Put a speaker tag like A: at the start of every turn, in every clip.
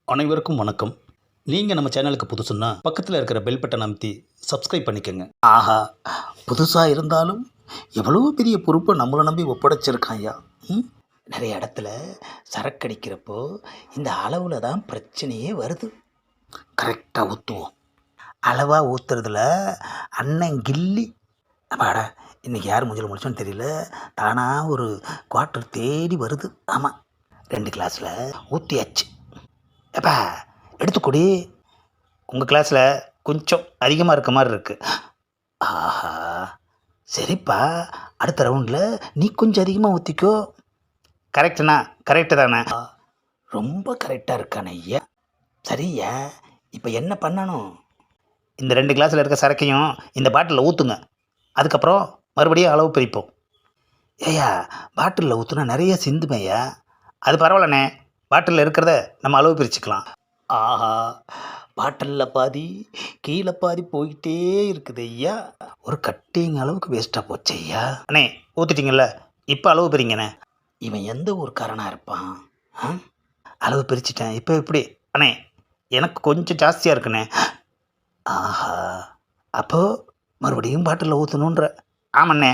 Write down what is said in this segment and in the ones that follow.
A: அனைவருக்கும் வணக்கம். நீங்கள் நம்ம சேனலுக்கு புதுசுன்னா பக்கத்தில் இருக்கிற பெல் பட்டன் அமைத்தி சப்ஸ்கிரைப் பண்ணிக்கோங்க. ஆஹா, புதுசாக இருந்தாலும் எவ்வளோ பெரிய பொறுப்பை நம்மளை நம்பி ஒப்படைச்சிருக்கான் ஐயா. ம் நிறைய இடத்துல சரக்கடிக்கிறப்போ இந்த அளவில் தான் பிரச்சனையே வருது. கரெக்டாக ஊற்றுவோம். அளவாக ஊற்றுறதுல அண்ணன் கில்லி. அப்பாடா, இன்றைக்கி யார் மூஞ்சில் முடிச்சோன்னு தெரியல, தானாக ஒரு குவார்ட்டர் தேடி வருது. ஆமாம், 2 கிளாஸில் ஊற்றியாச்சு. எப்பா எடுத்துக்கூடி, உங்கள் கிளாஸில் கொஞ்சம் அதிகமாக இருக்க மாதிரி இருக்குது. ஆஹா, சரிப்பா, அடுத்த ரவுண்டில் நீ கொஞ்சம் அதிகமாக ஊற்றிக்கோ. கரெக்டுண்ணா, கரெக்டு தானே? ரொம்ப கரெக்டாக இருக்கானே ஐயா. சரியா, இப்போ என்ன பண்ணணும்? இந்த 2 கிளாஸில் இருக்க சரக்கையும் இந்த பாட்டிலில் ஊற்றுங்க. அதுக்கப்புறம் மறுபடியும் அளவு பிரிப்போம். ஏய்யா, பாட்டிலில் ஊற்றுனா நிறைய சிந்துமையா. அது பரவாயில்லண்ணே, பாட்டிலில் இருக்கிறத நம்ம அளவு பிரிச்சுக்கலாம். ஆஹா, பாட்டிலில் பாதி கீழே பாதி போய்கிட்டே இருக்குது ஐயா. ஒரு கட்டிங் அளவுக்கு வேஸ்ட்டாக போச்சு ஐயா. அண்ணே ஊற்றிட்டீங்கல்ல, இப்போ அளவு பிரிங்கண்ணே. இவன் எந்த ஊருக்காரனாக இருப்பான்? அளவு பிரிச்சுட்டேன், இப்போ எப்படி? அண்ணே எனக்கு கொஞ்சம் ஜாஸ்தியாக இருக்குண்ணே. ஆஹா, அப்போது மறுபடியும் பாட்டிலில் ஊற்றணுன்ற. ஆமாண்ணே,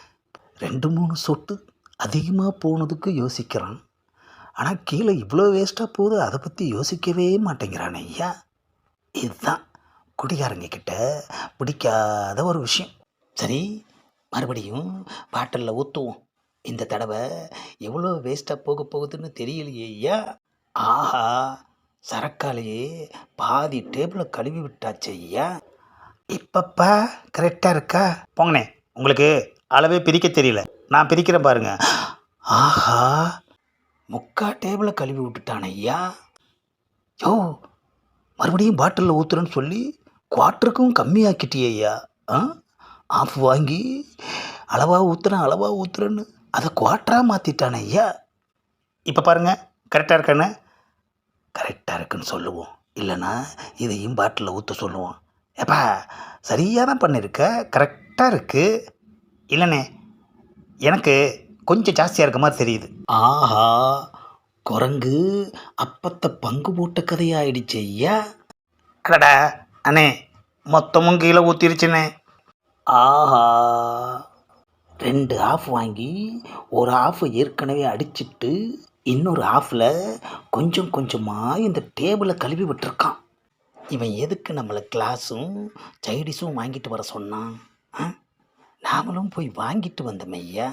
A: 2-3 சொட்டு அதிகமாக போனதுக்கு யோசிக்கிறான். ஆனால் கீழே இவ்வளோ வேஸ்ட்டாக போகுது, அதை பற்றி யோசிக்கவே மாட்டேங்கிறான் ஐயா. இதுதான் குடிகாரங்க கிட்ட பிடிக்காத ஒரு விஷயம். சரி, மறுபடியும் பாட்டிலில் ஊற்றுவோம். இந்த தடவை எவ்வளோ வேஸ்ட்டாக போக போகுதுன்னு தெரியலையே ஐயா. ஆஹா, சரக்காலேயே பாதி டேபிளை கழுவி விட்டாச்சு ஐயா. இப்பப்பா கரெக்டாக இருக்கா? போங்கண்ணே, உங்களுக்கு அளவே பிரிக்க தெரியல, நான் பிரிக்கிறேன் பாருங்க. ஆஹா, 3/4 டேபிளை கழுவி விட்டுட்டான் ஐயா. யோ, மறுபடியும் பாட்டிலில் ஊற்றுறேன்னு சொல்லி குவார்ட்டருக்கும் கம்மியாக்கிட்டியே ஐயா. ஆஃப் வாங்கி அளவாக ஊற்றுறேன்னு அதை குவார்ட்டராக மாற்றிட்டானே ஐயா. இப்போ பாருங்கள், கரெக்டாக இருக்கானே? கரெக்டாக இருக்குன்னு சொல்லுவோம், இல்லைன்னா இதையும் பாட்டிலில் ஊற்ற சொல்லுவோம். ஏப்பா, சரியாக தான் பண்ணியிருக்க, கரெக்டாக இருக்குது. இல்லைண்ணே, எனக்கு கொஞ்சம் ஜாஸ்தியாக இருக்க மாதிரி தெரியுது. ஆஹா, குரங்கு அப்பத்தை பங்கு போட்ட கதையாயிடுச்சு ஐயா. அடடா அண்ணே, மொத்தமும் கீழே ஊற்றிருச்சுண்ணே. ஆஹா, 2 ஆஃப் வாங்கி ஒரு ஆஃப் ஏற்கனவே அடிச்சிட்டு இன்னொரு ஆஃபில் கொஞ்சம் கொஞ்சமாக இந்த டேபிளை கழுவி விட்டுருக்கான். இவன் எதுக்கு நம்மளை கிளாஸும் சைடிஸும் வாங்கிட்டு வர சொன்னான்? நாமளும் போய் வாங்கிட்டு வந்தோம் ஐயா.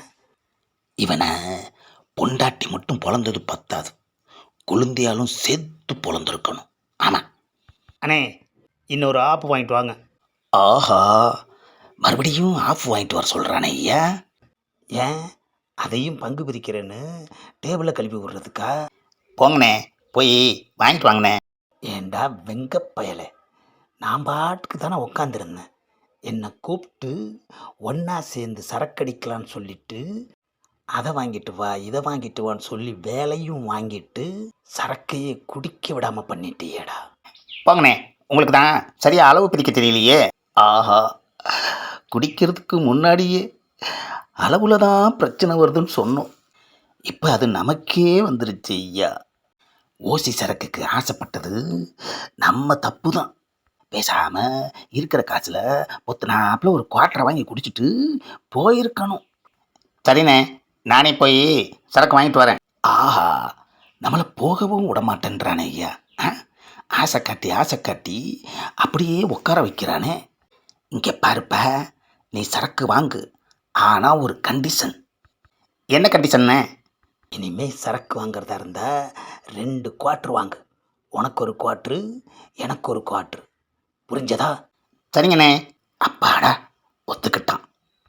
A: இவனை பொண்டாட்டி மட்டும் பொழந்தது பத்தாது, குழந்தையாலும் சேர்த்து பொழந்திருக்கணும். ஆமாம் அண்ணே, இன்னொரு ஆஃப் வாங்கிட்டு வாங்க. ஆஹா, மறுபடியும் ஆஃப் வாங்கிட்டு வர சொல்கிறானே ஐயா. ஏன், அதையும் பங்கு பிரிக்கிறேன்னு டேபிளை கழுவி விடுறதுக்கா? போங்கண்ணே, போய் வாங்கிட்டு வாங்கண்ணே. ஏண்டா வெங்கப்பயலை, நான் பாட்டுக்கு தானே உக்காந்துருந்தேன். என்னை கூப்பிட்டு ஒன்றா சேர்ந்து சரக்கடிக்கலான்னு சொல்லிட்டு அதை வாங்கிட்டு வா இதை வாங்கிட்டு வான்னு சொல்லி வேலையும் வாங்கிட்டு சரக்கையே குடிக்க விடாமல் பண்ணிட்டியேடா. போங்கண்ணே, உங்களுக்கு தான் சரியாக அளவு பிரிக்க தெரியலையே. ஆஹா, குடிக்கிறதுக்கு முன்னாடியே அளவில் தான் பிரச்சனை வருதுன்னு சொன்னோம், இப்போ அது நமக்கே வந்துருச்சு ஐயா. ஓசி சரக்குக்கு ஆசைப்பட்டது நம்ம தப்பு தான். பேசாமல் இருக்கிற காசில் பொத்துனாப்பில் ஒரு குவார்ட்டரை வாங்கி குடிச்சிட்டு போயிருக்கணும். சரிண்ணே, நானே போய் சரக்கு வாங்கிட்டு வரேன். ஆஹா, நம்மளை போகவும் விடமாட்டேன்றானே ஐயா. ஆசை காட்டி அப்படியே உட்கார வைக்கிறானே. இங்கே பாருப்ப, நீ சரக்கு வாங்கு, ஆனால் ஒரு கண்டிஷன். என்ன கண்டிஷன்னு? இனிமேல் சரக்கு வாங்கிறதா இருந்தால் 2 குவார்ட்ரு வாங்கு. உனக்கு ஒரு குவார்ட்ரு, எனக்கு ஒரு குவார்ட்ரு. புரிஞ்சதா? சரிங்கண்ணே. அப்பாடா, ஒத்துக்கிட்டான்.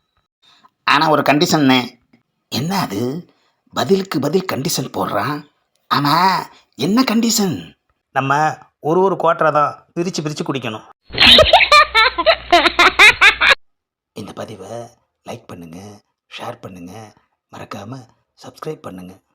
A: ஆனால் ஒரு கண்டிஷன்னே. என்ன அது? பதிலுக்கு பதில் கண்டிஷன் போடுறான். ஆமாம், என்ன கண்டிஷன்? நம்ம ஒரு குவார்ட்டரை தான் பிரித்து குடிக்கணும். இந்த பதிவை லைக் பண்ணுங்கள், ஷேர் பண்ணுங்கள், மறக்காமல் சப்ஸ்கிரைப் பண்ணுங்கள்.